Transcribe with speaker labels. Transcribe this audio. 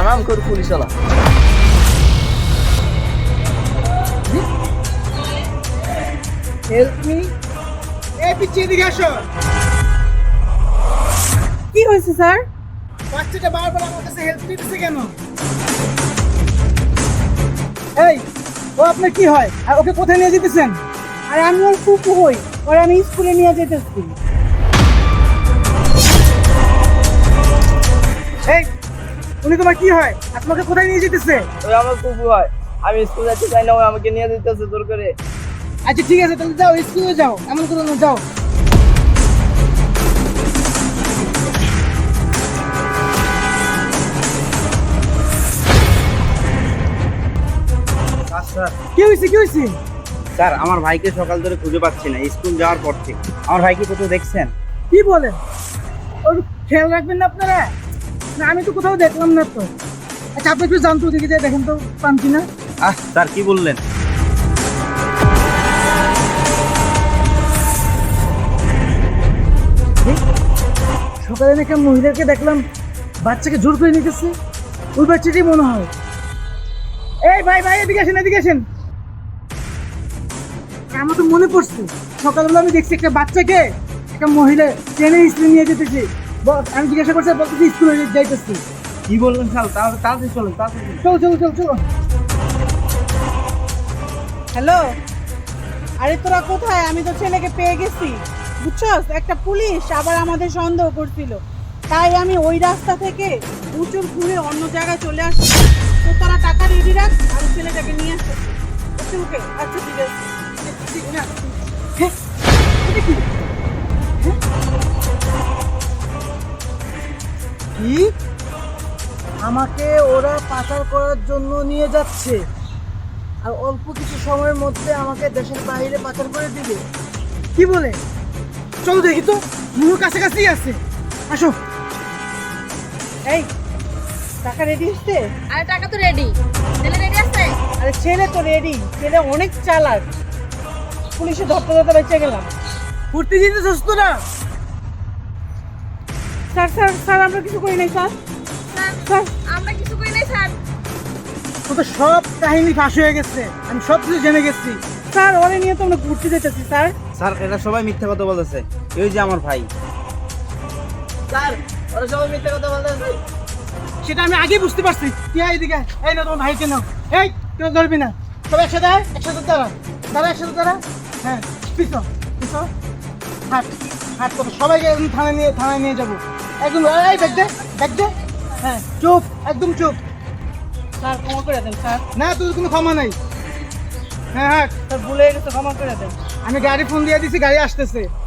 Speaker 1: হারাম করে পুলিশ আলা।
Speaker 2: Help me. এই পিছিয়ে এদিকে আসো।
Speaker 3: কি হয়েছে স্যার?
Speaker 2: বাচ্চাটা বারবার আমার কাছে হেল্প নিতেছে কেন? এই, ও আপনার কি হয় আর ওকে কোথায় নিয়ে যেতেছেন?
Speaker 3: আর আমি ওর ফুপু হই, ওর আমি স্কুলে নিয়ে যেতেছি।
Speaker 2: এই, উনি তোমার কি হয় আর তোমাকে কোথায় নিয়ে যেতেছে?
Speaker 1: ওই আমার কুকু হয়, আমি স্কুল যাইতে চাই না, ওই আমাকে নিয়ে যেতেছে জোর করে।
Speaker 2: আচ্ছা ঠিক আছে, তাহলে যাও স্কুলে যাও, এমন করো না, যাও।
Speaker 1: স্যার,
Speaker 2: কি হয়েছে কি হয়েছে?
Speaker 1: স্যার আমার ভাইকে সকাল ধরে খুঁজে পাচ্ছি না, স্কুল যাওয়ার পর থেকে। আমার ভাইকে কোথাও দেখছেন?
Speaker 2: কি বলেন? ওর খেয়াল রাখবেন না আপনারা? না আমি তো কোথাও দেখলাম না তো। আচ্ছা আপনি একটু জানতো দেখি যে দেখেন তো পান কিনা।
Speaker 1: স্যার কি বললেন?
Speaker 2: সকালে নাকি মহিলাকে দেখলাম বাচ্চাকে জোর করে নিতেছে, ওই বাচ্চাটাই মনে হয়। এই ভাই ভাই এদিকে আসেন, এদিকে আসেন। আমার তো মনে পড়ছে, সকালবেলা আমি দেখছি একটা বাচ্চাকে একটা মহিলা ট্রেনে স্কুলে নিয়ে যেতেছে। আমি জিজ্ঞাসা করছি, বলতেছি স্কুলে যাইতেছি।
Speaker 1: কি বললেন স্যার? তাহলে তাড়াতাড়ি চলুন, তাড়াতাড়ি।
Speaker 2: চলো চলো চলো চলো।
Speaker 3: হ্যালো, আরে তোরা কোথায়? আমি তো ছেলেকে পেয়ে গেছি, বুঝছস? একটা পুলিশ আবার আমাদের সন্দেহ করছিল, তাই আমি ওই রাস্তা থেকে উঁচুর ঘুরে অন্য জায়গায় চলে আসছি। তো তোরা টাকা রেডি রাখ, আমি ছেলেটাকে নিয়ে আসতেছি। ওকে ওকে, আচ্ছা ঠিক আছে।
Speaker 2: হ্যাঁ, এটা কি? হ্যাঁ? কি? আমাকে ওরা পাচার করার জন্য নিয়ে যাচ্ছে আর অল্প কিছু সময়ের মধ্যে আমাকে দেশের বাইরে পাচার করে দিবে? কি বলে? চলো দেখি তো, মুহুর কাছাকাছি আছে। আসো।
Speaker 3: এই, টাকা রেডি হচ্ছে?
Speaker 4: আরে টাকা তো রেডি, ছেলে রেডি আছে।
Speaker 3: আরে ছেলে তো রেডি, ছেলে অনেক চালাক, পুলিশে ধরতে ধরতে বেঁচে গেলাম।
Speaker 2: ঘুরতে যেতে তো না?
Speaker 3: স্যার স্যার স্যার, আমরা কিছু করি নাই স্যার।
Speaker 4: স্যার
Speaker 3: স্যার
Speaker 4: আমরা কিছু করি নাই স্যার।
Speaker 2: ও তো সব কাহিনী ফাঁস হয়ে গেছে, আমি সব কিছু জেনে গেছি।
Speaker 3: স্যার, ওরে নিয়ে তো আমরা ঘুরতে যেতেছি স্যার।
Speaker 1: স্যার এরা সবাই মিথ্যা কথা বলতেছে, এই যে আমার ভাই। স্যার ওরা সবাই মিথ্যা কথা বলতেছে।
Speaker 2: সেটা আমি আগে বুঝতে পারছি। তুই আয় এদিকে, এই না তোমার ভাইকে নাও। এই কেউ ধরবি না, সব একসাথে আয়, একসাথে দাঁড়া, দাঁড়া একসাথে দাঁড়া। হ্যাঁ, পিছন পিছন, হাট হাট করো, সবাইকে একদম থানায় নিয়ে যাবো একদম। এই ব্যাগ দে, ব্যাগ দে। হ্যাঁ চুপ, একদম চুপ।
Speaker 3: স্যার ক্ষমা করে দেন স্যার।
Speaker 2: না তোর কোনো ক্ষমা নাই। হ্যাঁ হ্যাঁ,
Speaker 3: স্যার ভুলে গেছে, ক্ষমা করে দেন।
Speaker 2: আমি গাড়ি ফোন দিয়ে দিছি, গাড়ি আসতেছে।